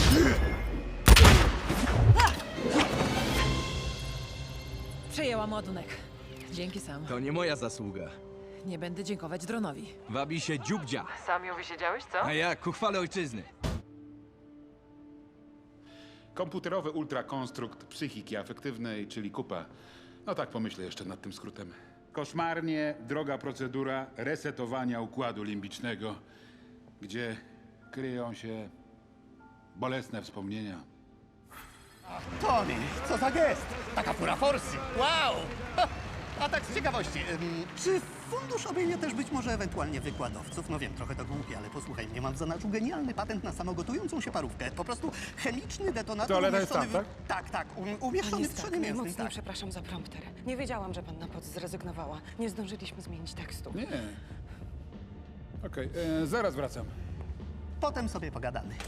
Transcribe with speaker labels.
Speaker 1: Przejęłam ładunek. Dzięki sam.
Speaker 2: To nie moja zasługa.
Speaker 1: Nie będę dziękować dronowi.
Speaker 2: Wabi się dziubdzia.
Speaker 1: Sam ją wysiedziałeś, co?
Speaker 2: A ja ku chwale ojczyzny.
Speaker 3: Komputerowy ultrakonstrukt psychiki afektywnej, czyli KUPA. No tak pomyślę jeszcze nad tym skrótem. Koszmarnie droga procedura resetowania układu limbicznego, gdzie kryją się bolesne wspomnienia.
Speaker 4: Tony, co za gest! Taka fura forsy! Wow! Ha! A tak z ciekawości, czy fundusz obejmie też być może ewentualnie wykładowców? No wiem, trochę to głupie, ale posłuchaj mnie, mam w zanadrzu genialny patent na samogotującą się parówkę. Po prostu chemiczny detonator
Speaker 3: Toaleta jest
Speaker 4: umieszczony
Speaker 3: tam,
Speaker 4: w... Tak, umieszczony w trzonie mięsnym,
Speaker 5: najmocniej
Speaker 4: tak.
Speaker 5: przepraszam za prompter. Nie wiedziałam, że panna Potts zrezygnowała. Nie zdążyliśmy zmienić tekstu.
Speaker 3: Nie. Okej, zaraz wracam.
Speaker 4: Potem sobie pogadamy.